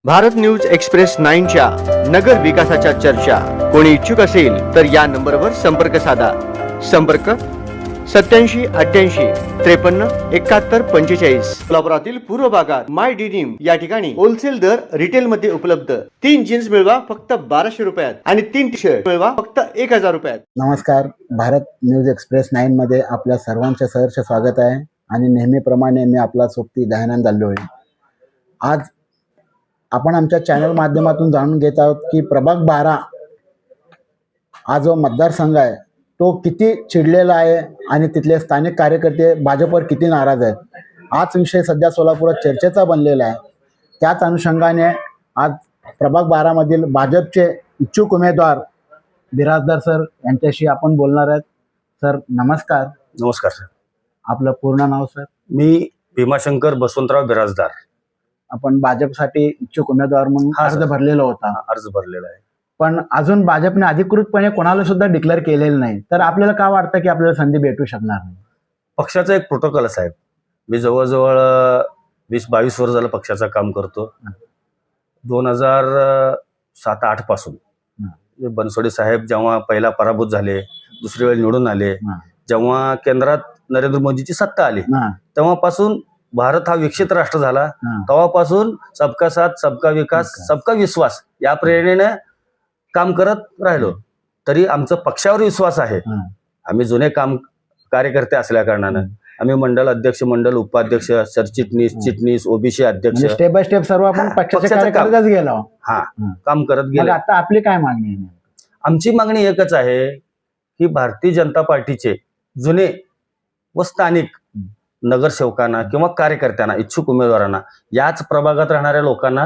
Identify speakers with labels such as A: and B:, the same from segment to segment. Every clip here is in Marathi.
A: भारत न्यूज एक्सप्रेस 9च्या नगर विकासाच्या चर्चा कोणी इच्छुक असेल तर या नंबरवर संपर्क साधा. संपर्क 87 88 53 71 45. कोल्हापुरातील पूर्व भागात माय डिनिम या ठिकाणी होलसेल दर रिटेल मध्ये उपलब्ध. 3 जीन्स मिळवा फक्त 1200 रुपयात आणि 3 टी शर्ट मिळवा फक्त 1000 रुपयात.
B: नमस्कार, भारत न्यूज एक्सप्रेस 9 मध्ये आपल्या सर्वांचे सहर्ष स्वागत आहे आणि नेहमीप्रमाणे मी आपला सोबती दयानंद आलोय. आज आपण आमच्या चॅनल माध्यमातून जाणून घेत आहोत की प्रभाग 12 हा जो मतदारसंघ आहे तो किती चिडलेला आहे आणि तिथले स्थानिक कार्यकर्ते भाजपवर किती नाराज आहेत. हाच विषय सध्या सोलापुरात चर्चेचा बनलेला आहे. त्याच अनुषंगाने आज प्रभाग 12 मधील भाजपचे इच्छुक उमेदवार बिराजदार सर यांच्याशी आपण बोलणार आहेत. सर नमस्कार.
C: नमस्कार सर.
B: आपलं पूर्ण नाव सर?
C: मी भीमाशंकर बसवंतराव बिराजदार.
B: आपण भाजपसाठी इच्छुक उमेदवार म्हणून अर्ज भरलेला होता.
C: अर्ज भरलेला आहे,
B: पण अजून भाजपने अधिकृतपणे कोणाला सुद्धा डिक्लेअर केलेलं नाही. तर आपल्याला का वाटतं की आपल्याला संधी भेटू शकणार नाही?
C: पक्षाचा एक प्रोटोकॉल आहे साहेब. मी जवळजवळ 20-22 वर्ष झालं पक्षाचं काम करतो. 2007-08 पासून बनसोडे साहेब जेव्हा पहिला पराभूत झाले, दुसरी वेळ निवडून आले, जेव्हा केंद्रात नरेंद्र मोदीची सत्ता आली तेव्हापासून भारत हा विकसित राष्ट्र झाला. तेव्हापासून सबका साथ सबका विकास सबका विश्वास या प्रेरणेने काम करत राहिलो. तरी आमचा पक्षावर विश्वास आहे. आम्ही जुने कार्यकर्ते असल्या कारणानं आम्ही मंडल अध्यक्ष, मंडल उपाध्यक्ष, सरचिटणीस, चिटणीस, ओबीसी अध्यक्ष,
B: स्टेप बाय स्टेप सर्व आपण पक्षाच्या कार्यकर्त्याच गेलो.
C: काम करत गेलो.
B: आता आपली काय मागणी आहे?
C: आमची मागणी एकच आहे की भारतीय जनता पार्टीचे जुने व स्थानिक नगरसेवकांना किंवा कार्यकर्त्यांना, इच्छुक उमेदवारांना, याच प्रभागात राहणाऱ्या लोकांना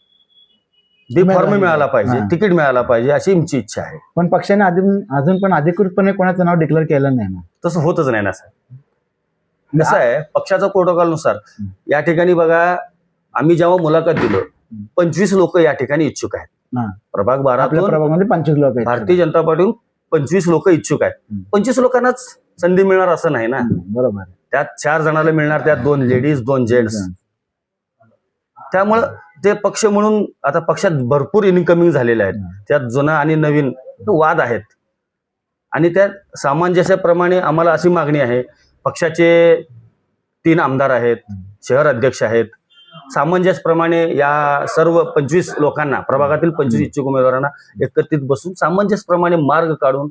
C: बी फॉर्म मिळाला पाहिजे, तिकीट मिळाला पाहिजे अशी आमची इच्छा आहे.
B: पण पक्षाने अजून पण अधिकृतपणे कोणाचं नाव डिक्लेअर केलं नाही ना.
C: तसं होतच नाही ना सर. कसं आहे, पक्षाच्या प्रोटोकॉल नुसार या ठिकाणी बघा, आम्ही जेव्हा मुलाखत दिलो 25 लोक या ठिकाणी इच्छुक आहेत. प्रभाग 12
B: प्रभागामध्ये 25 लोक आहेत.
C: भारतीय जनता पार्टीहून 25 लोक इच्छुक आहेत. 25 लोकांनाच संधी मिळणार असं नाही ना.
B: बरोबर.
C: त्यात 4 जणांना मिळणार, त्यात 2 लेडीज 2 जेंट्स. त्यामुळं ते पक्ष म्हणून आता पक्षात भरपूर इनकमिंग झालेले आहेत. त्यात जुना आणि नवीन वाद आहेत आणि त्या सामंजस्याप्रमाणे आम्हाला अशी मागणी आहे. पक्षाचे 3 आमदार आहेत, शहर अध्यक्ष आहेत. सामंजस्यप्रमाणे या सर्व 25 लोकांना, प्रभागातील 25 इच्छुक उमेदवारांना एकत्रित बसून सामंजस्यप्रमाणे मार्ग काढून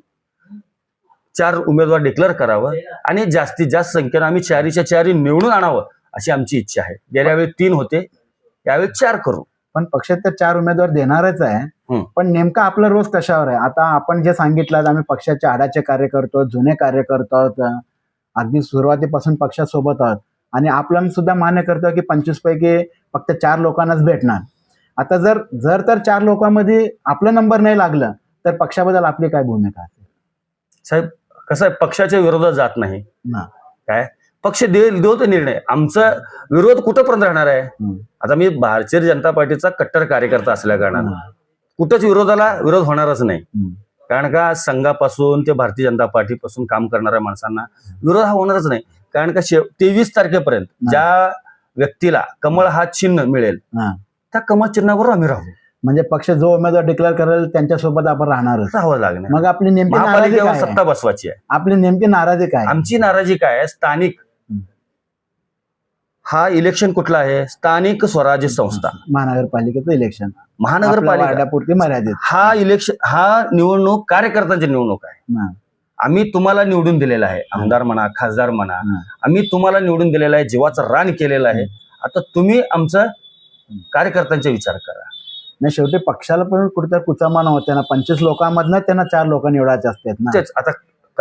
C: 4 उमेदवार डिक्लेअर करावं आणि जास्तीत जास्त संख्येनं आम्ही 4च्या 4 निवडून आणावं अशी आमची इच्छा आहे. गेल्या वेळी 3 होते, यावेळी 4 करू.
B: पण पक्षात तर 4 उमेदवार देणारच आहे. पण नेमका आपला रोज कशावर आहे? आता आपण जे सांगितलं, आम्ही पक्षाच्या आडाचे कार्यकर्ते, जुने कार्यकर्ते आहोत, अगदी सुरुवातीपासून पक्षासोबत आहोत आणि आपण सुद्धा मान्य करतो की 25 पैकी फक्त 4 लोकांनाच भेटणार. आता जर 4 लोकांमध्ये आपला नंबर नाही लागलं तर पक्षाबद्दल आपली काय भूमिका असेल?
C: साहेब कसं आहे, पक्षाच्या विरोधात जात नाही. काय पक्ष देऊ तो निर्णय. आमचा विरोध कुठंपर्यंत राहणार आहे? आता मी भारतीय जनता पार्टीचा कट्टर कार्यकर्ता असल्या कारणानं कुठंच विरोध होणारच नाही. कारण का संघापासून ते भारतीय जनता पार्टीपासून काम करणाऱ्या माणसांना विरोध हा होणारच नाही. कारण का 23 तारखेपर्यंत ज्या व्यक्तीला कमळ हा चिन्ह मिळेल त्या कमळ चिन्हावर आम्ही राहू.
B: म्हणजे पक्ष जो उमेदवार डिक्लेअर करेल त्यांच्यासोबत आपण राहणारच,
C: राहावं लागणार.
B: मग आपली नेमकी
C: महापालिकेवर सत्ता बसवायची आहे.
B: आपली नेमकी नाराजी काय?
C: आमची नाराजी काय आहे? स्थानिक हा इलेक्शन कुठला आहे? स्थानिक स्वराज्य संस्था,
B: महानगरपालिकेचं इलेक्शन,
C: महानगरपालिकापुरती
B: मर्यादित.
C: हा निवडणूक कार्यकर्त्यांची निवडणूक आहे. आम्ही तुम्हाला निवडून दिलेला आहे, आमदार म्हणा, खासदार म्हणा, आम्ही तुम्हाला निवडून दिलेला आहे, जीवाचं रान केलेलं आहे. आता तुम्ही आमचा कार्यकर्त्यांचा विचार करा.
B: नाही, शेवटी पक्षाला पण कुठेतरी कुचामाना होते ना. 25 लोकांमधनं त्यांना 4 लोक निवडायचे असतात ना.
C: तेच आता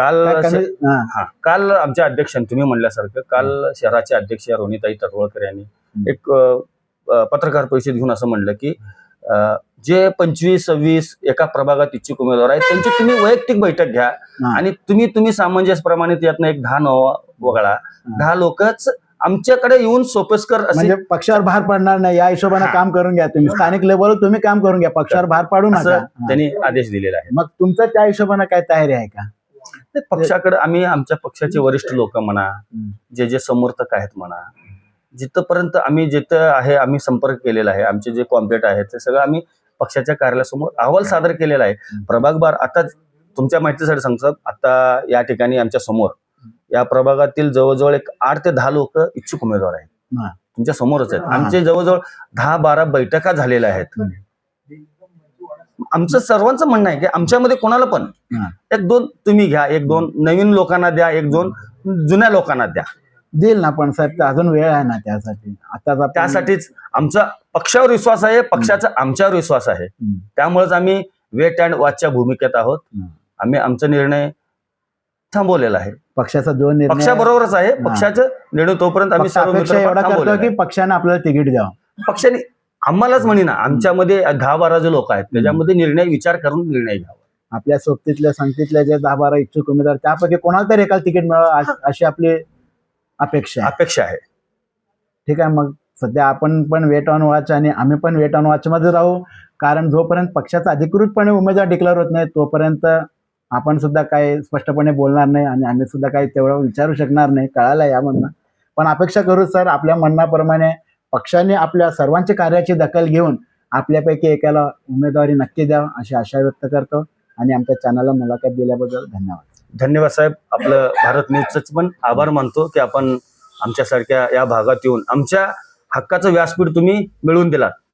C: काल आमच्या अध्यक्षांनी तुम्ही म्हणल्यासारखं काल शहराचे अध्यक्ष रोहिणीताई तटवळकर यांनी एक पत्रकार परिषद घेऊन असं म्हणलं की जे 25-26 एका प्रभागात इच्छुक उमेदवार आहेत त्यांची तुम्ही वैयक्तिक बैठक घ्या आणि तुम्ही सामंजस्यप्रमाणे त्यातनं एक 10 वगळा, 10 लोकच आमच्याकडे येऊन सोपस्कर
B: म्हणजे पक्षावर भार पडणार नाही या हिशोबाने काम करून घ्या. तुम्ही स्थानिक लेवलवर तुम्ही काम करून घ्या, पक्षावर भार पाडू नका,
C: त्यांनी आदेश दिलेला आहे.
B: मग तुमचं त्या हिशोबाने काय तयारी आहे का?
C: पक्षाकडे आम्ही आमच्या पक्षाचे वरिष्ठ लोक म्हणा, जे समर्थक आहेत म्हणा, जिथपर्यंत आम्ही जिथं आहे आम्ही संपर्क केलेला आहे, आमचे जे कॉम्प्लेट आहेत ते सगळं आम्ही पक्षाच्या कार्यालयासमोर अहवाल सादर केलेला आहे. प्रभाग बार आता तुमच्या माहितीसाठी सांगतो, आता या ठिकाणी आमच्या समोर या प्रभागातील जवळजवळ एक 8 ते 10 लोक इच्छुक उमेदवार आहेत.
B: हा.
C: तुमच्या समोरच आहेत. आमचे जवळजवळ 10-12 बैठका झालेल्या आहेत. आमचं सर्वांचं म्हणणं आहे की आमच्यामध्ये कोणाला पण
B: हा.
C: 1-2 तुम्ही घ्या, 1-2 नवीन लोकांना द्या, 1-2 जुन्या लोकांना द्या.
B: देईल ना, पण साहेब अजून वेळ आहे ना त्यासाठी. आता
C: त्यासाठीच आमचा पक्षावर विश्वास आहे, पक्षाचा आमच्यावर विश्वास आहे. त्यामुळेच आम्ही वेट अँड वॉचच्या भूमिकेत आहोत. आम्ही आमचा निर्णय थांबवलेला आहे.
B: पक्षाचा जो निर्णय
C: पक्षाबरोबरच आहे. पक्षाचा निर्णय तोपर्यंत आम्ही सर्व
B: अपेक्षा एवढा करतो
C: थांबवलेला
B: की
C: आहे.
B: पक्षाने आपल्याला तिकीट द्यावं.
C: पक्षाने आम्हालाच म्हणी ना, आमच्यामध्ये 10-12 जे लोक आहेत त्याच्यामध्ये निर्णय विचार करून निर्णय घ्यावा.
B: आपल्या सोबतीतल्या संगतीतल्या जे 10-12 इच्छुक उमेदवार त्यापैकी कोणाला तरी एकाला तिकीट मिळावं अशी आपली अपेक्षा आहे. ठीक आहे, मग सध्या आपण पण वेट ऑन वॉच आणि आम्ही पण वेट ऑन वॉच मध्ये राहू. कारण जोपर्यंत पक्षाचा अधिकृतपणे उमेदवार डिक्लेअर होत नाही तोपर्यंत आपण सुद्धा काही स्पष्टपणे बोलणार नाही आणि आम्ही सुद्धा काही तेवढं विचारू शकणार नाही, कळालं यामधनं. पण अपेक्षा करू सर, आपल्या म्हणण्याप्रमाणे पक्षाने आपल्या सर्वांच्या कार्याची दखल घेऊन आपल्यापैकी एकाला उमेदवारी नक्की द्यावं अशी आशा व्यक्त करतो. आणि आमच्या चॅनलला मुलाखत दिल्याबद्दल धन्यवाद.
C: धन्यवाद साहेब. आपलं भारत न्यूजचं पण आभार मानतो की आपण आमच्यासारख्या या भागात येऊन आमच्या हक्काचं व्यासपीठ तुम्ही मिळवून दिलात.